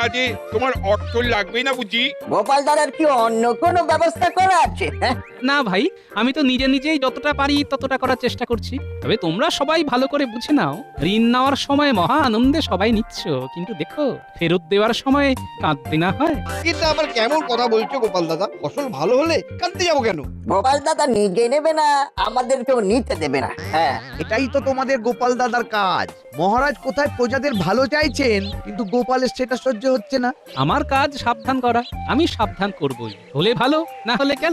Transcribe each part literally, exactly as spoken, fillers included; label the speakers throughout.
Speaker 1: কাজে তোমার অর্থ লাগবে না বুঝি?
Speaker 2: গোপাল দাদার কি অন্য কোনো ব্যবস্থা করা আছে? হ্যাঁ,
Speaker 3: না ভাই, আমি তো নিজে নিজেই যতটা পারি ততটা করার চেষ্টা করছি। তবে তোমরা সবাই ভালো করে বুঝে নাও, ঋণ নেওয়ার সময় মহা আনন্দে সবাই নিচ্ছ, কিন্তু দেখো ফেরত দেওয়ার সময় কাঁদতে না হয়।
Speaker 4: এটা আবার কেমন কথা বলছো গোপাল দাদা? ফসল ভালো হলে কাঁদতে যাবো কেন?
Speaker 2: গোপাল দাদা নিজে নেবে না, আমাদেরকেও নিতে দেবে না। হ্যাঁ,
Speaker 5: এটাই তো তোমাদের গোপাল দাদার কাজ। মহারাজ কোথায় প্রজাদের ভালো চাইছেন, কিন্তু গোপালের সেটা সহ্য হচ্ছে না।
Speaker 3: আমার কাজ সাবধান করা, আমি সাবধান করবই, হলে ভালো না হলে গেল।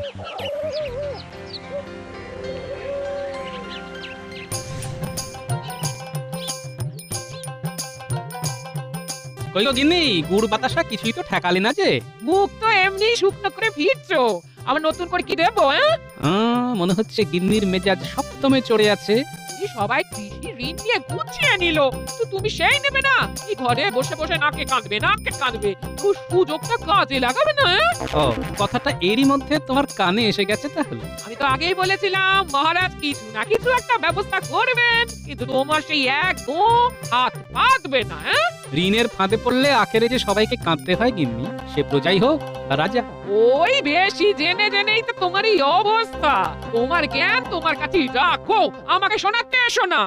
Speaker 3: কইলো গিন্নি, গুড় বাতাসা কিছুই তো ঠেকালে না যে।
Speaker 6: মুখ তো এমনি শুকনো করে ফিরছো, আবার নতুন করে কি দেবো? হ্যাঁ,
Speaker 3: আহ, মনে হচ্ছে গিন্নির মেজাজ সপ্তমে চড়ে আছে।
Speaker 6: এই সবাই কৃষি ঋণ নিয়ে গুছিয়ে নিল, তো তুমি সেই নেবে না? এই ঘরে বসে বসে নাকে কাঁদবে, নাকে কাঁদবে, তো সুযোগটা কাজে লাগাবে না? হ্যাঁ?
Speaker 3: ও, কথাটা এরই মধ্যে তোমার কানে এসে গেছে তাহলে।
Speaker 6: আমি তো আগেই বলেছিলাম মহারাজ কিছু না কিছু একটা ব্যবস্থা করবেন, কিন্তু তোমার সেই একদম হাত পাতবে না। হ্যাঁ,
Speaker 3: ঋণের ফাঁদে পড়লে আখেরে যে সবাইকে কাঁদতে হয় গিন্নি, সে প্রজাই হোক আর রাজা।
Speaker 6: ওই বেশি জেনে জেনেই তো তোমার এই অবস্থা। তোমার জ্ঞান তোমার কাছেই রাখো, আমাকে শোনাতে এসো না।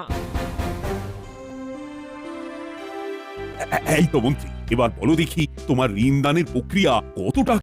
Speaker 7: এ- এই তো মন্ত্রী, এবার বলো দেখি তোমার ঋণ দানের প্রক্রিয়া কতটা